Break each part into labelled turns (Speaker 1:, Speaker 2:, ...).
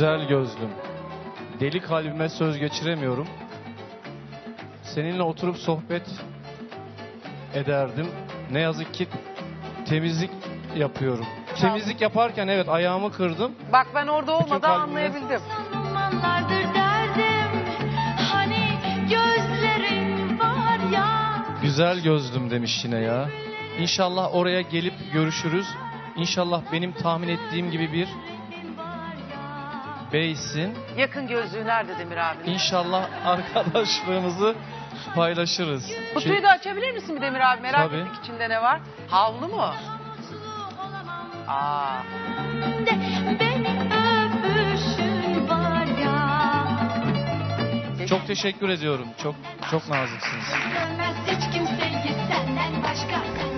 Speaker 1: Güzel gözlüm. Deli kalbime söz geçiremiyorum. Seninle oturup sohbet ederdim. Ne yazık ki temizlik yapıyorum. Temizlik yaparken evet ayağımı kırdım.
Speaker 2: Bak ben orada olmadan
Speaker 1: kalbimle-
Speaker 2: anlayabildim.
Speaker 3: Zamanlardır derdim, hani gözlerin var ya.
Speaker 1: Güzel gözlüm demiş yine ya. İnşallah oraya gelip görüşürüz. İnşallah benim tahmin ettiğim gibi bir beysin.
Speaker 2: Yakın gözlüğü nerede Demir abi?
Speaker 1: İnşallah arkadaşlığımızı paylaşırız.
Speaker 2: Kutuyu da açabilir misin bir Demir abi? Merak
Speaker 1: Tabii.
Speaker 2: ettik içinde ne var? Havlu mu? Aa.
Speaker 3: Beni öpüşün var ya.
Speaker 1: Çok teşekkür ediyorum. Çok naziksiniz.
Speaker 3: Sevmez hiç kimseyi senden başka.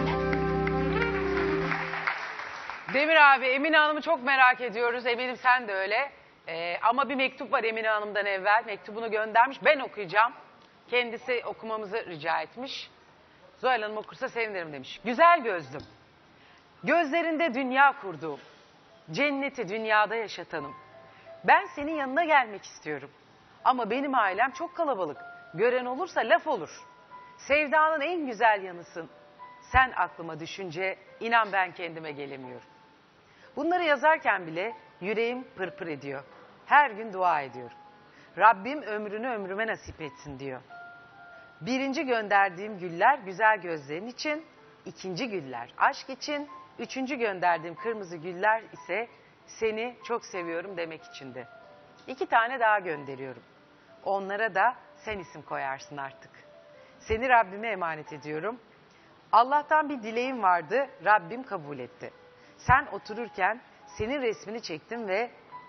Speaker 2: Demir abi Emine Hanım'ı çok merak ediyoruz. Eminim sen de öyle. Ama bir mektup var Emine Hanım'dan evvel. Mektubunu göndermiş. Ben okuyacağım. Kendisi okumamızı rica etmiş. Zuhal Hanım okursa sevinirim demiş. Güzel gözlüm. Gözlerinde dünya kurduğum. Cenneti dünyada yaşatanım. Ben senin yanına gelmek istiyorum. Ama benim ailem çok kalabalık. Gören olursa laf olur. Sevdanın en güzel yanısın. Sen aklıma düşünce inan ben kendime gelemiyorum. Bunları yazarken bile yüreğim pırpır ediyor. Her gün dua ediyorum. Rabbim ömrünü ömrüme nasip etsin diyor. Birinci gönderdiğim güller güzel gözlerin için, ikinci güller aşk için, üçüncü gönderdiğim kırmızı güller ise seni çok seviyorum demek içindi. 2 tane daha gönderiyorum. Onlara da sen isim koyarsın artık. Seni Rabbime emanet ediyorum. Allah'tan bir dileğim vardı, Rabbim kabul etti. Sen otururken senin resmini çektim ve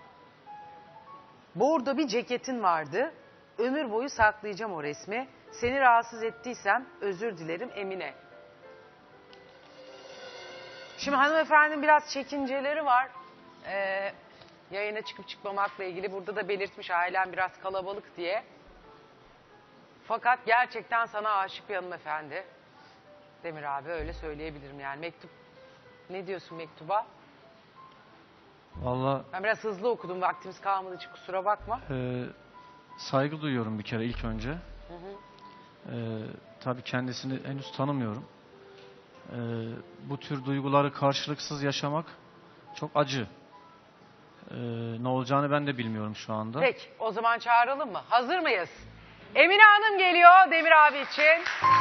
Speaker 2: bordo bir ceketin vardı. Ömür boyu saklayacağım o resmi. Seni rahatsız ettiysem özür dilerim Emine. Şimdi hanımefendinin biraz çekinceleri var. Yayına çıkıp çıkmamakla ilgili. Burada da belirtmiş ailem biraz kalabalık diye. Fakat gerçekten sana aşık bir hanımefendi. Demir abi öyle söyleyebilirim yani. Mektup, ne diyorsun mektuba?
Speaker 1: Vallahi
Speaker 2: Ben biraz hızlı okudum, vaktimiz kalmadığı için kusura bakma.
Speaker 1: saygı duyuyorum bir kere ilk önce. Tabii kendisini henüz tanımıyorum. Bu tür duyguları karşılıksız yaşamak çok acı. Ne olacağını ben de bilmiyorum şu anda.
Speaker 2: Peki o zaman çağıralım mı? Hazır mıyız? Emine Hanım geliyor Demir abi için.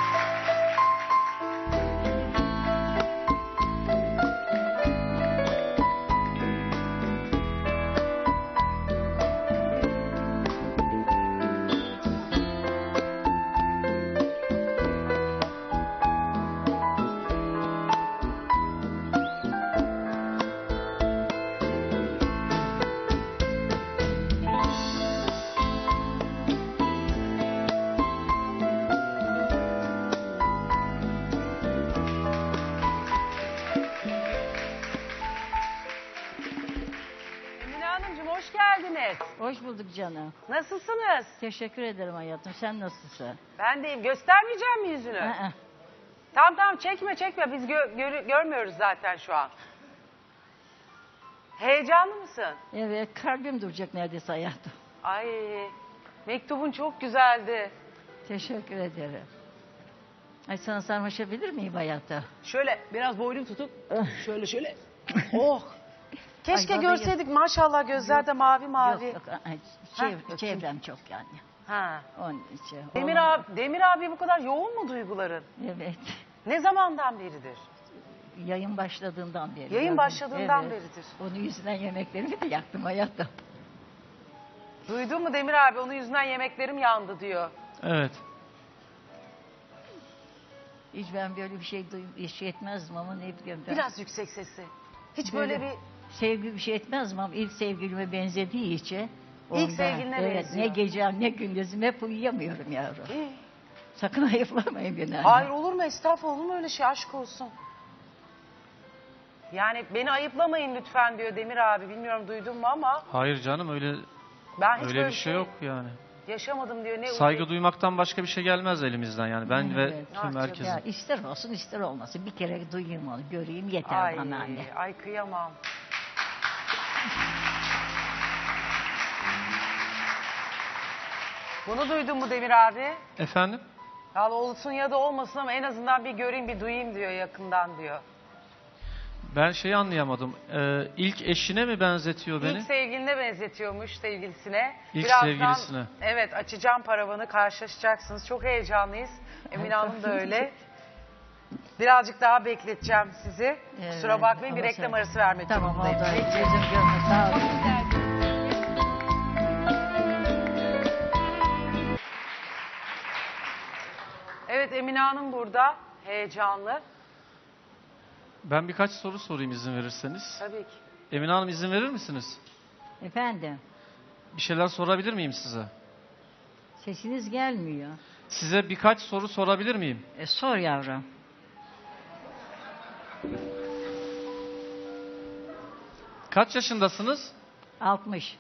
Speaker 2: Emine Hanımcığım hoş geldiniz.
Speaker 4: Hoş bulduk canım.
Speaker 2: Nasılsınız?
Speaker 4: Teşekkür ederim hayatım. Sen nasılsın?
Speaker 2: Ben deyim. Göstermeyeceğim mi yüzünü?
Speaker 4: Aa,
Speaker 2: Tamam çekme biz görmüyoruz zaten şu an. Heyecanlı mısın?
Speaker 4: evet, kalbim duracak neredeyse hayatım.
Speaker 2: Ay mektubun çok güzeldi.
Speaker 4: Teşekkür ederim. Ay sana sarmaşabilir miyim hayata?
Speaker 2: Şöyle biraz boynum tutup şöyle. Oh. Keşke
Speaker 4: Ay, bana
Speaker 2: görseydik maşallah gözlerde mavi mavi.
Speaker 4: Yok, ay,
Speaker 2: bakayım.
Speaker 4: çevrem çok yani.
Speaker 2: Ha.
Speaker 4: Onun için.
Speaker 2: Demir abi bu kadar yoğun mu duyguların?
Speaker 4: Evet.
Speaker 2: Ne zamandan beridir?
Speaker 4: Yayın başladığından beri.
Speaker 2: Yayın
Speaker 4: yani.
Speaker 2: başladığından
Speaker 4: Evet.
Speaker 2: beridir.
Speaker 4: Onun yüzünden yemeklerimi de yaktım hayatım.
Speaker 2: Duydun mu Demir abi? Onun yüzünden yemeklerim yandı diyor.
Speaker 1: Evet.
Speaker 4: Hiç ben böyle bir şey etmezdim ama ne bileyim ben.
Speaker 2: Biraz yüksek sesli. Hiç böyle bir...
Speaker 4: Sevgi bir şey etmezdim ama ilk sevgilime benzediği için.
Speaker 2: İlk sevgiline
Speaker 4: evet,
Speaker 2: benziyor.
Speaker 4: ne gecem ne gündüzüm hep uyuyamıyorum yavrum. Sakın ayıplamayın beni.
Speaker 2: Hayır olur mu? Estağfurullah olur mu öyle şey? Aşk olsun. Yani beni ayıplamayın lütfen diyor Demir abi. Bilmiyorum duydun mu ama
Speaker 1: Hayır canım öyle
Speaker 2: ben hiç
Speaker 1: öyle
Speaker 2: böyle
Speaker 1: bir şey yok yani.
Speaker 2: yaşamadım diyor. Ne
Speaker 1: Saygı duymaktan başka bir şey gelmez elimizden yani. Ben ve
Speaker 4: Evet.
Speaker 1: tüm
Speaker 2: Ah,
Speaker 1: herkesin.
Speaker 4: Ya ister olsun ister olmasın. Bir kere duyayım onu, göreyim yeter
Speaker 2: Ay,
Speaker 4: bana anne.
Speaker 2: ay kıyamam. Bunu duydun mu Demir abi?
Speaker 1: Efendim?
Speaker 2: Ya olsun ya da olmasın ama en azından bir göreyim bir duyayım diyor yakından diyor.
Speaker 1: Ben şeyi anlayamadım. İlk eşine mi benzetiyor beni?
Speaker 2: İlk sevgiline benzetiyormuş sevgilisine.
Speaker 1: İlk
Speaker 2: Birazdan,
Speaker 1: sevgilisine.
Speaker 2: Evet açacağım paravanı karşılaşacaksınız. Çok heyecanlıyız. Emine Hanım da öyle. Birazcık daha bekleteceğim sizi. Kusura bakmayın bir
Speaker 4: ama
Speaker 2: reklam
Speaker 4: sen-
Speaker 2: arası vermek
Speaker 4: Tamam
Speaker 2: durumundayım.
Speaker 4: oldu.
Speaker 2: Peki.
Speaker 4: Gözüm görmez. Sağ olun.
Speaker 2: Evet Emine Hanım burada. Heyecanlı.
Speaker 1: Ben birkaç soru sorayım izin verirseniz.
Speaker 2: Tabii ki.
Speaker 1: Emine Hanım izin verir misiniz?
Speaker 4: Efendim,
Speaker 1: Bir şeyler sorabilir miyim size?
Speaker 4: sesiniz gelmiyor.
Speaker 1: Size birkaç soru sorabilir miyim?
Speaker 4: Sor yavrum.
Speaker 1: Kaç yaşındasınız?
Speaker 4: 60.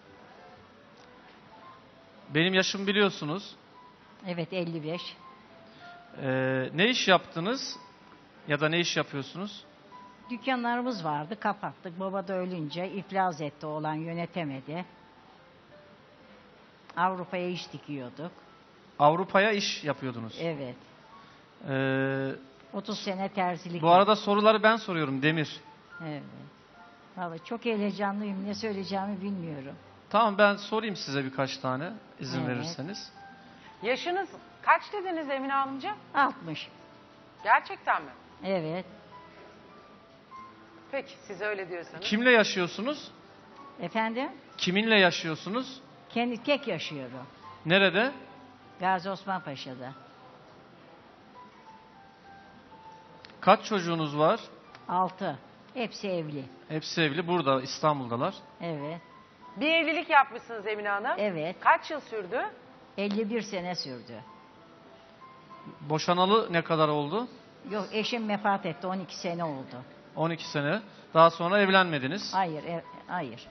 Speaker 1: Benim yaşımı biliyorsunuz.
Speaker 4: Evet 55.
Speaker 1: Ne iş yaptınız? Ya da ne iş yapıyorsunuz?
Speaker 4: Dükkanlarımız vardı, kapattık. Baba da ölünce iflas etti, oğlan yönetemedi. Avrupa'ya iş dikiyorduk.
Speaker 1: Avrupa'ya iş yapıyordunuz.
Speaker 4: Evet.
Speaker 1: Ee,
Speaker 4: 30 sene terzilik.
Speaker 1: bu arada soruları ben soruyorum Demir.
Speaker 4: Evet. Vallahi çok heyecanlıyım. Ne söyleyeceğimi bilmiyorum.
Speaker 1: Tamam ben sorayım size birkaç tane izin
Speaker 4: Evet.
Speaker 1: verirseniz.
Speaker 2: Yaşınız kaç dediniz Emine Hanımcığım?
Speaker 4: 60.
Speaker 2: Gerçekten mi?
Speaker 4: Evet.
Speaker 2: Peki siz öyle diyorsanız.
Speaker 1: Kimle yaşıyorsunuz?
Speaker 4: Efendim?
Speaker 1: Kiminle yaşıyorsunuz?
Speaker 4: Kendi tek yaşıyorum.
Speaker 1: Nerede?
Speaker 4: Gazi Osman Paşa'da.
Speaker 1: Kaç çocuğunuz var?
Speaker 4: 6. Hepsi evli.
Speaker 1: Hepsi evli. Burada İstanbul'dalar.
Speaker 4: Evet.
Speaker 2: Bir evlilik yapmışsınız Emine Hanım.
Speaker 4: Evet.
Speaker 2: Kaç yıl sürdü?
Speaker 4: 51 sene sürdü.
Speaker 1: Boşanalı ne kadar oldu?
Speaker 4: Yok eşim vefat etti. 12 sene oldu.
Speaker 1: 12 sene. Daha sonra evlenmediniz.
Speaker 4: Hayır, hayır.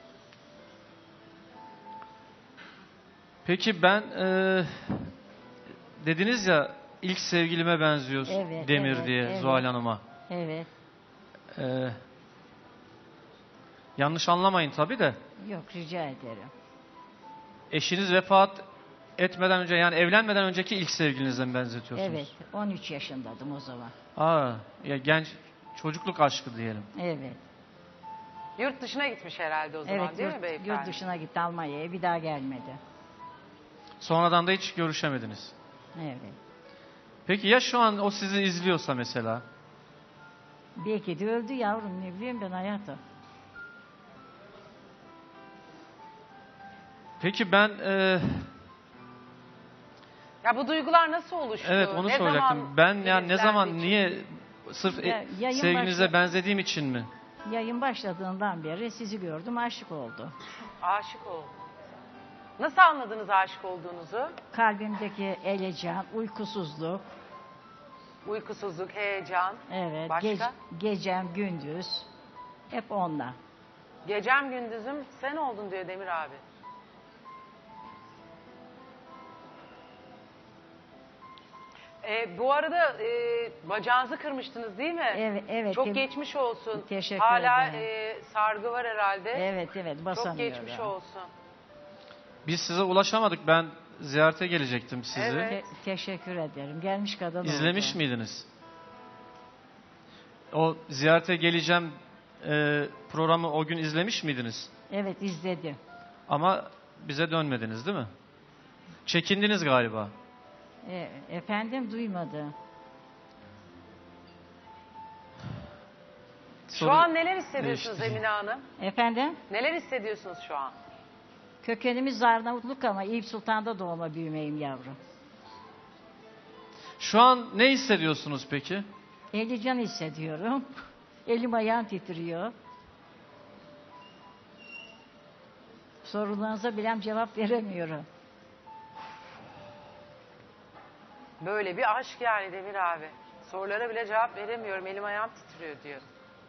Speaker 1: Peki ben dediniz ya ilk sevgilime benziyor
Speaker 4: Evet,
Speaker 1: Demir
Speaker 4: evet,
Speaker 1: diye
Speaker 4: evet.
Speaker 1: Zuhal Hanım'a.
Speaker 4: Evet.
Speaker 1: E, yanlış anlamayın tabii de.
Speaker 4: Yok rica ederim.
Speaker 1: Eşiniz vefat etmeden önce yani evlenmeden önceki ilk sevgilinize mi benzetiyorsunuz?
Speaker 4: Evet. 13 yaşındaydım o zaman.
Speaker 1: Aa, ya genç çocukluk aşkı diyelim.
Speaker 4: Evet.
Speaker 2: Yurt dışına gitmiş herhalde o zaman
Speaker 4: Evet
Speaker 2: değil mi beyefendi?
Speaker 4: yurt dışına gitti Almanya'ya. Bir daha gelmedi.
Speaker 1: Sonradan da hiç görüşemediniz.
Speaker 4: Evet.
Speaker 1: Peki ya şu an o sizi izliyorsa mesela?
Speaker 4: Belki de öldü yavrum. Ne bileyim ben hayatım.
Speaker 1: Peki ben
Speaker 2: Ya bu duygular nasıl oluştu?
Speaker 1: evet onu
Speaker 2: Ne
Speaker 1: soracaktım.
Speaker 2: zaman
Speaker 1: Ben yani ne zaman
Speaker 2: filizlendi
Speaker 1: niye sırf
Speaker 4: Ya, yayın
Speaker 1: sevgilinize
Speaker 4: başla-
Speaker 1: benzediğim için mi?
Speaker 4: Yayın başladığından beri sizi gördüm. Aşık oldu.
Speaker 2: Aşık oldum. Nasıl anladınız aşık olduğunuzu?
Speaker 4: Kalbimdeki elecan, uykusuzluk.
Speaker 2: Uykusuzluk, heyecan.
Speaker 4: Evet.
Speaker 2: Başka?
Speaker 4: Gecem, gündüz. Hep onunla.
Speaker 2: Gecem gündüzüm sen oldun diyor Demir abi. Bu arada bacağınızı kırmıştınız değil mi?
Speaker 4: Evet, evet.
Speaker 2: Çok geçmiş olsun.
Speaker 4: Teşekkür
Speaker 2: Hala
Speaker 4: ederim.
Speaker 2: sargı var herhalde.
Speaker 4: Evet,
Speaker 2: Çok
Speaker 4: basamıyorum.
Speaker 2: geçmiş olsun.
Speaker 1: Biz size ulaşamadık. Ben ziyarete gelecektim sizi.
Speaker 2: Evet.
Speaker 4: Teşekkür ederim. Gelmiş kadın
Speaker 1: İzlemiş
Speaker 4: oldu.
Speaker 1: miydiniz? O ziyarete geleceğim programı o gün izlemiş miydiniz?
Speaker 4: Evet, izledim.
Speaker 1: Ama bize dönmediniz değil mi? Çekindiniz galiba.
Speaker 4: Efendim duymadı.
Speaker 2: Şu an neler hissediyorsunuz
Speaker 1: değişti.
Speaker 2: Emine Hanım?
Speaker 4: Efendim?
Speaker 2: Neler hissediyorsunuz şu an?
Speaker 4: Kökenimiz Arnavutluk ama Eyüp Sultan'da doğma büyümeyim yavrum.
Speaker 1: Şu an ne hissediyorsunuz peki?
Speaker 4: Heyecan hissediyorum. Elim ayağım titriyor. Sorularınıza bilem cevap veremiyorum.
Speaker 2: Böyle bir aşk yani Demir abi. Sorulara bile cevap veremiyorum. Elim ayağım titriyor diyor.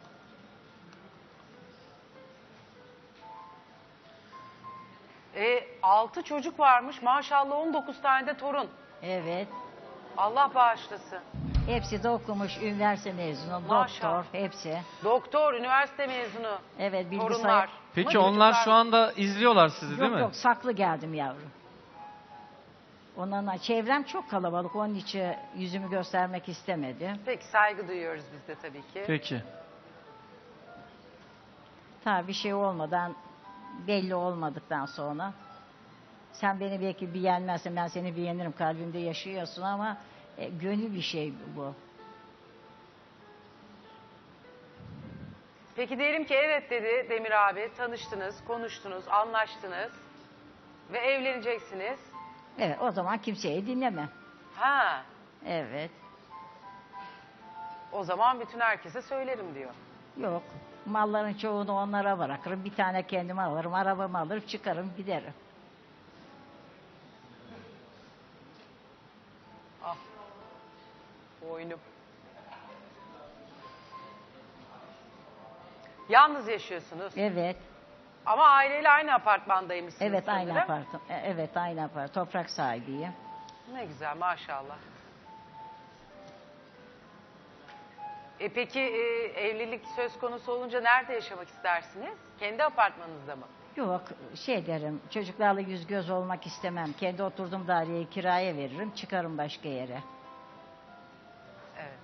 Speaker 2: Altı çocuk varmış. Maşallah 19 tane de torun.
Speaker 4: Evet.
Speaker 2: Allah bağışlasın.
Speaker 4: Hepsi de okumuş, üniversite mezunu,
Speaker 2: Maşallah.
Speaker 4: doktor, hepsi.
Speaker 2: Doktor, üniversite mezunu.
Speaker 4: Evet, bilgisayar.
Speaker 2: Torunlar. Ama
Speaker 1: Peki onlar
Speaker 2: çocuklar-
Speaker 1: şu anda izliyorlar sizi değil
Speaker 4: Yok
Speaker 1: mi?
Speaker 4: yok, saklı geldim yavrum. Ondan çevrem çok kalabalık. Onun için yüzümü göstermek istemedim.
Speaker 2: Peki saygı duyuyoruz biz de tabii ki.
Speaker 1: Peki.
Speaker 4: Ta bir şey olmadan, belli olmadıktan sonra sen beni belki beğenmezsen ben seni beğenirim, kalbimde yaşıyorsun ama gönül bir şey bu.
Speaker 2: Peki diyelim ki evet dedi Demir abi, tanıştınız, konuştunuz, anlaştınız ve evleneceksiniz.
Speaker 4: Evet, o zaman kimseyi dinlemem.
Speaker 2: Ha,
Speaker 4: Evet.
Speaker 2: o zaman bütün herkese söylerim diyor.
Speaker 4: Yok. Malların çoğunu onlara bırakırım. Bir tane kendime alırım. Arabamı alırım. Çıkarım giderim.
Speaker 2: Ah, boynum. Yalnız yaşıyorsunuz.
Speaker 4: Evet.
Speaker 2: Ama aileyle aynı apartmandaymışsınız
Speaker 4: Evet aynı
Speaker 2: sanırım.
Speaker 4: apartman. Evet aynı apartman. Toprak sahibiyim.
Speaker 2: Ne güzel maşallah. Peki evlilik söz konusu olunca nerede yaşamak istersiniz? Kendi apartmanınızda mı?
Speaker 4: Yok şey derim. Çocuklarla yüz göz olmak istemem. Kendi oturduğum daireyi kiraya veririm. Çıkarım başka yere.
Speaker 2: Evet.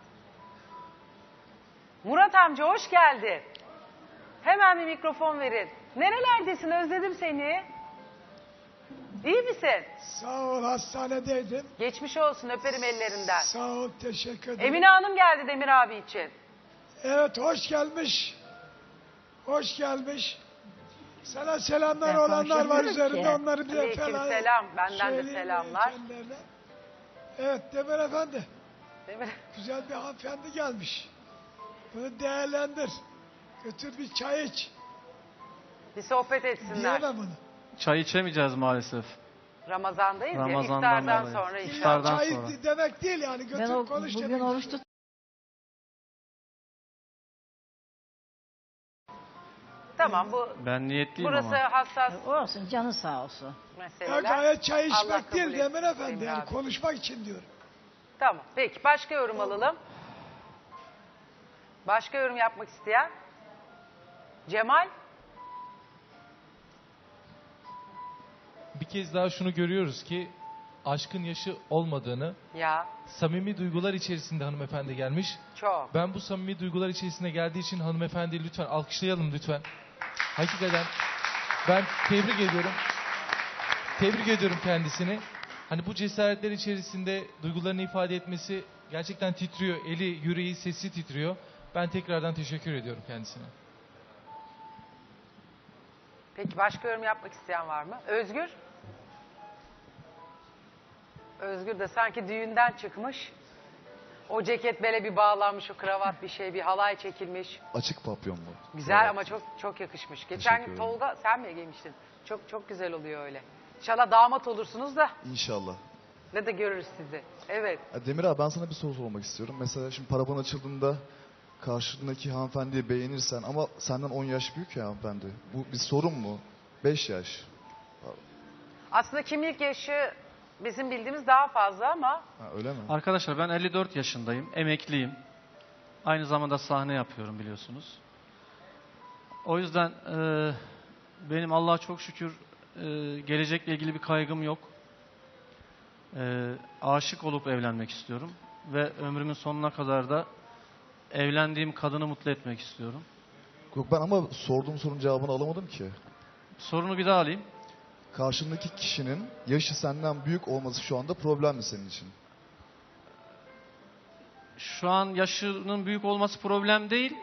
Speaker 2: Murat amca hoş geldin. Hemen bir mikrofon verin. Nerelerdesin? Özledim seni. İyi misin?
Speaker 5: Sağ ol, hastanedeydim.
Speaker 2: Geçmiş olsun, öperim ellerinden.
Speaker 5: Sağ ol, teşekkür ederim.
Speaker 2: Emine Hanım geldi Demir abi için.
Speaker 5: Evet, hoş gelmiş. Hoş gelmiş. Sana selamlar
Speaker 4: Ben
Speaker 5: olanlar var
Speaker 4: konuşamıyorum
Speaker 5: üzerinde,
Speaker 4: ki.
Speaker 5: onları bir
Speaker 2: Aleykümselam, benden de
Speaker 5: söyleyeyim
Speaker 2: selamlar.
Speaker 5: kendilerine. Evet, Demir Efendi.
Speaker 2: Demir.
Speaker 5: Güzel bir hanımefendi gelmiş. Bunu değerlendir. Götür bir çay iç.
Speaker 2: Bir sohbet etsinler.
Speaker 5: Diyemem bunu.
Speaker 1: Çay içemeyeceğiz maalesef.
Speaker 2: Ramazandayız ya,
Speaker 1: Ramazan'dan
Speaker 2: iftardan
Speaker 1: dolayı.
Speaker 2: sonra
Speaker 5: İlla
Speaker 2: inşallah.
Speaker 1: İftardan
Speaker 5: çay
Speaker 1: sonra.
Speaker 5: demek değil yani. Götür
Speaker 4: Ben o,
Speaker 5: konuş
Speaker 4: bugün
Speaker 5: demek.
Speaker 4: oruç tut.
Speaker 2: Tamam bu
Speaker 1: Ben niyetliyim
Speaker 2: burası
Speaker 1: ama.
Speaker 2: hassas
Speaker 4: Olsun canı sağ olsun.
Speaker 5: Ya
Speaker 2: meseleler.
Speaker 5: gayet çay
Speaker 2: Allah
Speaker 5: içmek
Speaker 2: kabul
Speaker 5: değil
Speaker 2: etsin
Speaker 5: Demir Efendi.
Speaker 2: Demir
Speaker 5: Yani
Speaker 2: abi.
Speaker 5: konuşmak için diyorum.
Speaker 2: Tamam. Peki başka yorum alalım. Başka yorum yapmak isteyen? Cemal?
Speaker 6: Bir kez daha şunu görüyoruz ki aşkın yaşı olmadığını,
Speaker 2: Ya
Speaker 6: samimi duygular içerisinde hanımefendi gelmiş.
Speaker 2: çok.
Speaker 6: Ben bu samimi duygular içerisinde geldiği için hanımefendi lütfen alkışlayalım lütfen. Hakikaten ben tebrik ediyorum. Tebrik ediyorum kendisini. Hani bu cesaretler içerisinde duygularını ifade etmesi gerçekten titriyor. Eli, yüreği, sesi titriyor. Ben tekrardan teşekkür ediyorum kendisine.
Speaker 2: Peki başka yorum yapmak isteyen var mı? Özgür? Özgür de sanki düğünden çıkmış. O ceket bele bir bağlanmış, o kravat bir şey, bir halay çekilmiş.
Speaker 7: Açık papyon bu.
Speaker 2: Güzel
Speaker 7: Evet.
Speaker 2: ama çok çok yakışmış.
Speaker 7: Teşekkür
Speaker 2: Geçen
Speaker 7: ederim.
Speaker 2: Tolga sen mi giymiştin? Çok çok güzel oluyor öyle. İnşallah damat olursunuz da
Speaker 7: İnşallah.
Speaker 2: ne de görürüz sizi. Evet.
Speaker 7: Ya Demir abi ben sana bir soru sormak istiyorum. Mesela şimdi paravan açıldığında karşındaki hanımefendiyi beğenirsen ama senden 10 yaş büyük ya hanımefendi. Bu bir sorun mu? 5 yaş.
Speaker 2: Aslında kimlik yaşı bizim bildiğimiz daha fazla ama
Speaker 7: Ha, öyle mi?
Speaker 1: Arkadaşlar ben 54 yaşındayım. Emekliyim. Aynı zamanda sahne yapıyorum biliyorsunuz. O yüzden benim Allah'a çok şükür gelecekle ilgili bir kaygım yok. Aşık olup evlenmek istiyorum. Ve ömrümün sonuna kadar da evlendiğim kadını mutlu etmek istiyorum.
Speaker 7: Yok ben ama sorduğum sorunun cevabını alamadım ki.
Speaker 1: Sorunu bir daha alayım.
Speaker 7: Karşındaki kişinin yaşı senden büyük olması şu anda problem mi senin için?
Speaker 1: Şu an yaşının büyük olması problem değil.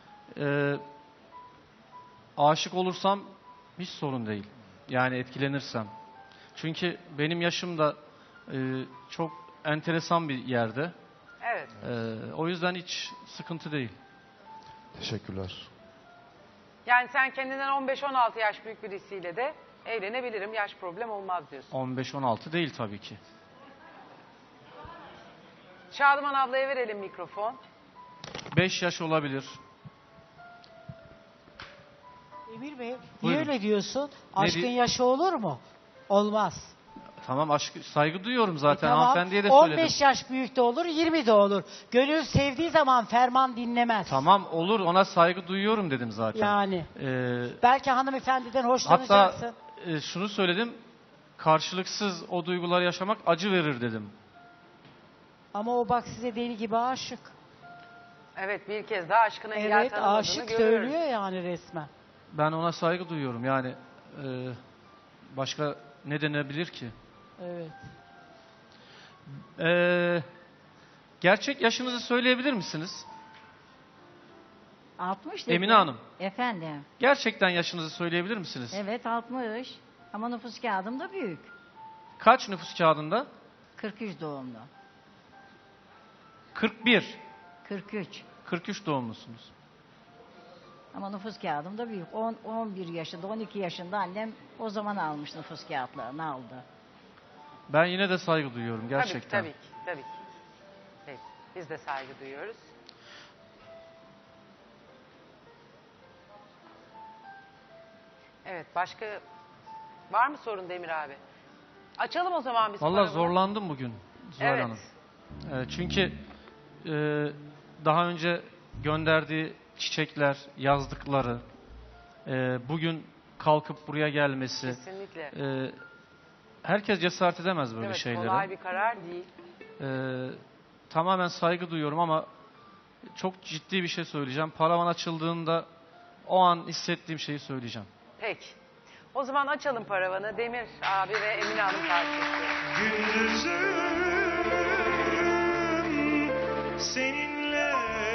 Speaker 1: Aşık olursam hiç sorun değil. Yani etkilenirsem. Çünkü benim yaşım da çok enteresan bir yerde.
Speaker 2: evet.
Speaker 1: O yüzden hiç sıkıntı değil.
Speaker 7: Teşekkürler.
Speaker 2: Yani sen kendinden 15-16 yaş büyük birisiyle de evlenebilirim. Yaş problem olmaz diyorsun.
Speaker 1: 15-16 değil tabii ki.
Speaker 2: Şadıman ablaya verelim mikrofon.
Speaker 1: 5 yaş olabilir.
Speaker 8: Emir Bey, niye
Speaker 1: Buyurun.
Speaker 8: öyle diyorsun? Aşkın
Speaker 1: di-
Speaker 8: yaşı olur mu? Olmaz.
Speaker 1: Tamam saygı duyuyorum zaten.
Speaker 8: Tamam,
Speaker 1: Hanımefendiye de
Speaker 8: 15
Speaker 1: söyledim.
Speaker 8: yaş büyük de olur, 20 de olur. Gönül sevdiği zaman ferman dinlemez.
Speaker 1: Tamam olur, ona saygı duyuyorum dedim zaten.
Speaker 8: Yani.
Speaker 1: Ee,
Speaker 8: Belki hanımefendiden
Speaker 1: hatta
Speaker 8: hoşlanacaksın.
Speaker 1: şunu söyledim. karşılıksız o duyguları yaşamak acı verir dedim.
Speaker 8: Ama o bak size deli gibi aşık.
Speaker 2: Evet, bir kez daha aşkına engel
Speaker 8: Evet,
Speaker 2: tanımadığını
Speaker 8: aşık
Speaker 2: görüyoruz.
Speaker 8: söylüyor yani resmen.
Speaker 1: Ben ona saygı duyuyorum. Yani başka ne denebilir ki?
Speaker 8: Evet.
Speaker 1: Gerçek yaşınızı söyleyebilir misiniz?
Speaker 4: 60 dedi.
Speaker 1: Emine Hanım.
Speaker 4: Efendim.
Speaker 1: Gerçekten yaşınızı söyleyebilir misiniz?
Speaker 4: Evet 60. Ama nüfus kağıdım da büyük.
Speaker 1: Kaç nüfus kağıdında?
Speaker 4: 43 doğumlu.
Speaker 1: 41.
Speaker 4: 43.
Speaker 1: 43 doğumlusunuz.
Speaker 4: Ama nüfus kağıdım da büyük. 11 yaşında, 12 yaşında annem o zaman almış nüfus kağıtlarını aldı.
Speaker 1: Ben yine de saygı duyuyorum gerçekten.
Speaker 2: Tabii ki. Evet, biz de saygı duyuyoruz. Evet, başka var mı sorun Demir abi? Açalım o zaman biz
Speaker 1: Vallahi
Speaker 2: programı.
Speaker 1: zorlandım bugün Zuhal
Speaker 2: Evet.
Speaker 1: Hanım. Çünkü daha önce gönderdiği çiçekler, yazdıkları, bugün kalkıp buraya gelmesi,
Speaker 2: Kesinlikle.
Speaker 1: herkes cesaret edemez böyle
Speaker 2: Evet,
Speaker 1: şeylere.
Speaker 2: kolay bir karar değil.
Speaker 1: Tamamen saygı duyuyorum ama çok ciddi bir şey söyleyeceğim. Paravan açıldığında o an hissettiğim şeyi söyleyeceğim.
Speaker 2: Peki. O zaman açalım paravanı. Demir abi ve Emine Hanım karşılaşıyor.
Speaker 9: Gündüzüm seninle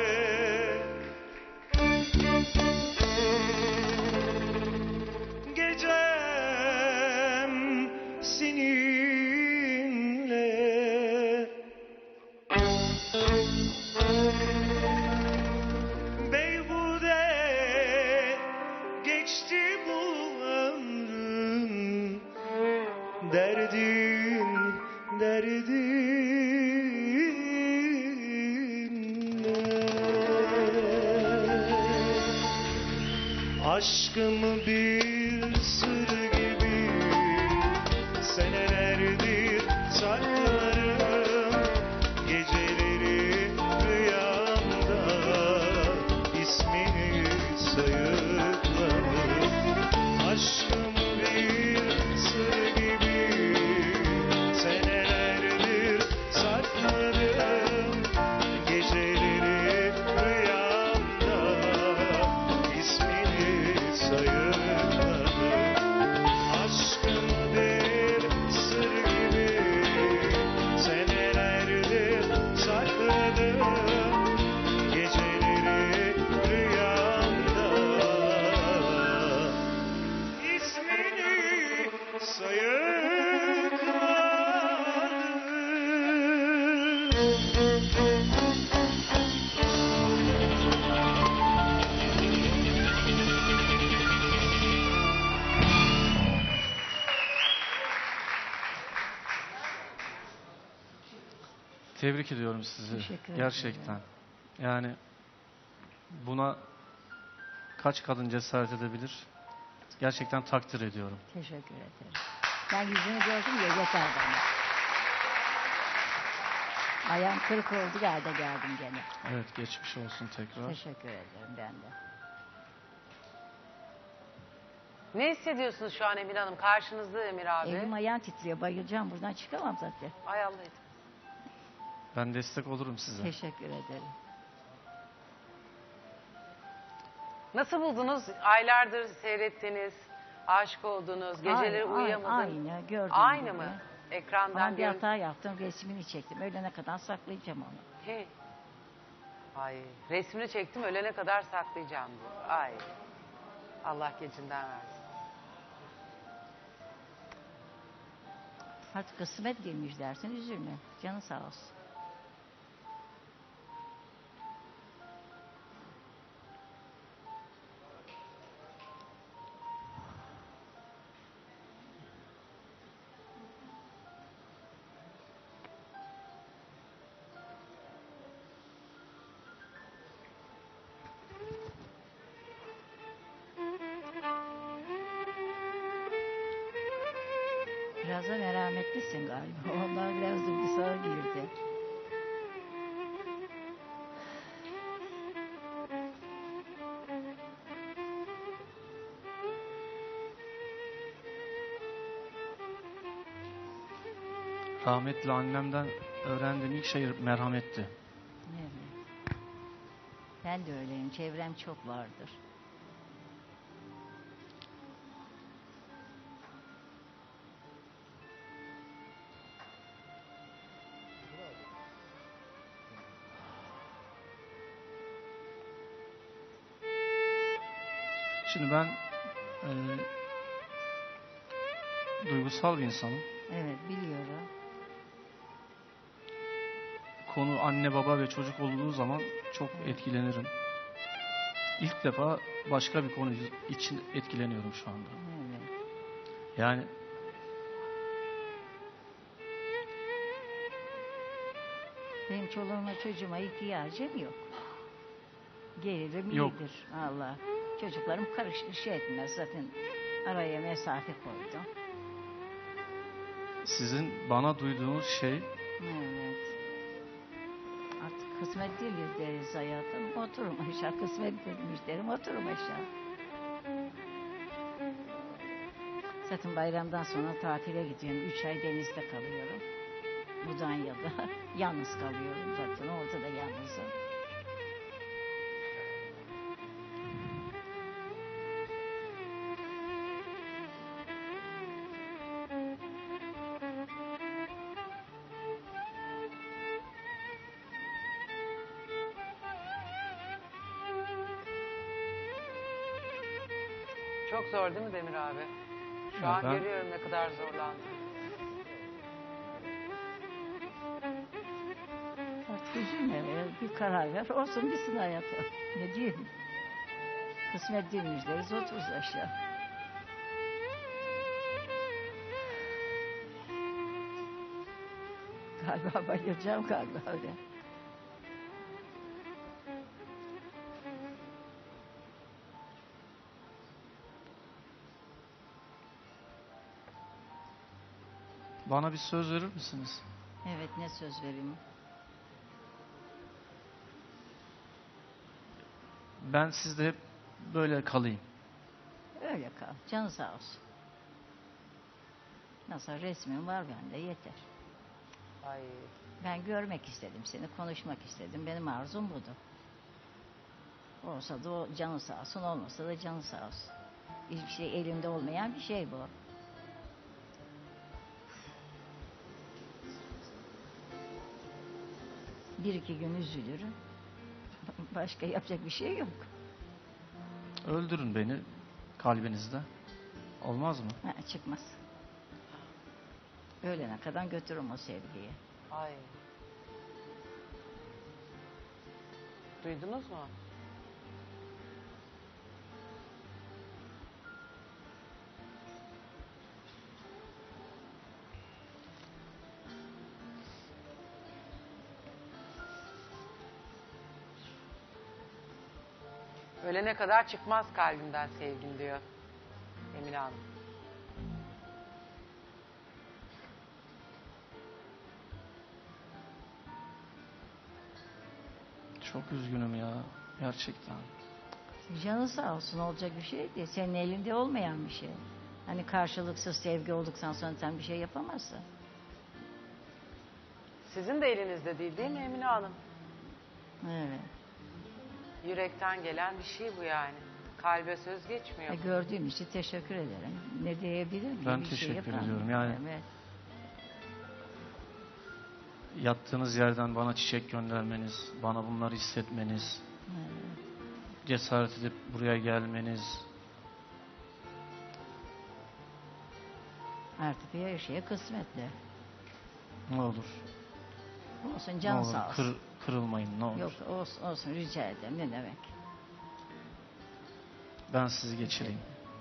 Speaker 9: gecem seninle beyhude geçti bu ömrüm derdin aşkımı bir sır gibi senelerdir saklarım geceleri rüyamda ismini sayıklarım aşkımı bir sır gibi senelerdir saklarım geceleri rüyamda ismini sayıkladım aşkımı bir sır gibi senelerdir sakladım geceleri rüyamda ismini
Speaker 1: Tebrik ediyorum sizi.
Speaker 4: Teşekkür ederim.
Speaker 1: Gerçekten. Yani buna kaç kadın cesaret edebilir? Gerçekten takdir ediyorum.
Speaker 4: Teşekkür ederim. Ben yüzünü gördüm ya yeter bana. Ayağım kırık oldu geldim gene.
Speaker 1: Evet, geçmiş olsun tekrar.
Speaker 4: Teşekkür ederim ben de.
Speaker 2: Ne hissediyorsunuz şu an Emine Hanım? Karşınızda Demir abi.
Speaker 4: Elim ayağım titriyor bayılacağım buradan çıkamam zaten.
Speaker 2: Ay Allah'ım.
Speaker 1: Ben destek olurum size.
Speaker 4: Teşekkür ederim.
Speaker 2: Nasıl buldunuz? Aylardır seyrettiniz, aşık oldunuz, geceleri uyuyamadınız.
Speaker 4: Aynı gördüm.
Speaker 2: Aynı mı? Ekrandan
Speaker 4: Ama bir
Speaker 2: görün.
Speaker 4: hata yaptım resmini çektim. Öğlene kadar saklayacağım onu.
Speaker 2: He. Ay, resmini çektim ölene kadar saklayacağım diyor. Ay. Allah gecinden versin.
Speaker 4: Hadi kısmet değilmiş dersin üzülme. Canı sağ olsun. Biraz da merhametlisin galiba. Onlar biraz duygusal girdi.
Speaker 1: Rahmetli annemden öğrendiğim ilk şey merhametti.
Speaker 4: Evet. Ben de öyleyim. Çevrem çok vardır.
Speaker 1: Şimdi ben duygusal bir insanım.
Speaker 4: Evet, biliyorum.
Speaker 1: Konu anne baba ve çocuk olduğu zaman çok etkilenirim. İlk defa başka bir konu için etkileniyorum şu anda.
Speaker 4: Evet.
Speaker 1: Yani
Speaker 4: Benim çoluğuma çocuğuma ihtiyacım yok. Gelirim
Speaker 1: Yok.
Speaker 4: iyidir. Allah. Çocuklarım şey etmez zaten. Araya mesafe koydum.
Speaker 1: sizin bana duyduğunuz şey
Speaker 4: Evet. Artık kısmet değildir deriz hayatım. Oturum aşağı. Kısmet değilmiş derim. Oturum aşağı. Zaten bayramdan sonra tatile gidiyorum. 3 ay denizde kalıyorum. Mudanya'da. Yalnız kalıyorum zaten. Orada da yalnızım.
Speaker 2: Çok zor değil mi Demir abi? Şu
Speaker 1: Ya
Speaker 2: an
Speaker 1: ben-
Speaker 2: görüyorum ne kadar zorlandığını.
Speaker 4: Artık üzülme. Bir karar ver. Olsun bitsin hayatım. Ne diyeyim? Kısmet değilmiş deriz. Otururuz aşağı. Galiba bayılacağım galiba öyle.
Speaker 1: bana bir söz verir misiniz?
Speaker 4: Evet, ne söz vereyim?
Speaker 1: Ben sizde hep böyle kalayım.
Speaker 4: Öyle kal. Canı sağ olsun. Nasıl resmin var bende yeter.
Speaker 2: Ay.
Speaker 4: Ben görmek istedim seni, konuşmak istedim. Benim arzum budur. Olsa da o canı sağ olsun, olmasa da canı sağ olsun. Hiçbir şey elimde olmayan bir şey bu. Bir iki gün üzülürüm. Başka yapacak bir şey yok.
Speaker 1: Öldürün beni kalbinizde. Olmaz mı?
Speaker 4: Ha, çıkmaz. Ölene kadar götürürüm o sevgiyi.
Speaker 2: Ay. Duydunuz mu? Ölene kadar çıkmaz kalbimden sevgin diyor Emine Hanım.
Speaker 1: Çok üzgünüm ya. Gerçekten.
Speaker 4: Canı sağ olsun, olacak bir şey değil. Senin elinde olmayan bir şey. Hani karşılıksız sevgi olduktan sonra sen bir şey yapamazsın.
Speaker 2: Sizin de elinizde değil mi Emine Hanım?
Speaker 4: Evet.
Speaker 2: Yürekten gelen bir şey bu yani. Kalbe söz geçmiyor.
Speaker 4: Gördüğüm için teşekkür ederim. Ne diyebilirim ki?
Speaker 1: Ben
Speaker 4: Bir şey
Speaker 1: teşekkür
Speaker 4: yapamam.
Speaker 1: ediyorum. Yani-
Speaker 4: Evet.
Speaker 1: Yattığınız yerden bana çiçek göndermeniz, bana bunları hissetmeniz,
Speaker 4: Evet.
Speaker 1: cesaret edip buraya gelmeniz.
Speaker 4: Artık her şeye kısmetli.
Speaker 1: Ne olur.
Speaker 4: Olsun,
Speaker 1: Ne
Speaker 4: canı
Speaker 1: olur.
Speaker 4: sağ olsun.
Speaker 1: Kırılmayın ne olur.
Speaker 4: Yok, olsun, olsun, rica ederim. Ne demek?
Speaker 1: Ben sizi geçireyim.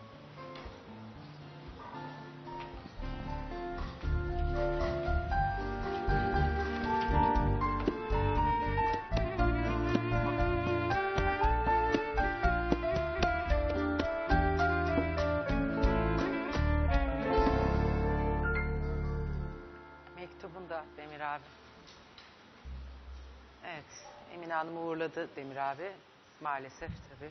Speaker 2: Mektubunda Demir abi. Evet, Emine Hanım'ı uğurladı Demir abi. Maalesef tabii.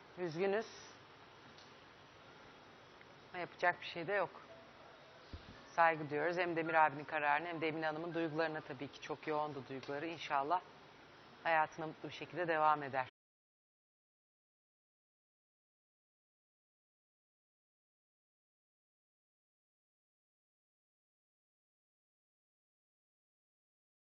Speaker 2: Üzgünüz. Ama yapacak bir şey de yok. saygı duyuyoruz. Hem Demir abinin kararını hem de Emine Hanım'ın duygularına tabii ki çok yoğundu duyguları. İnşallah hayatına mutlu bir şekilde devam eder.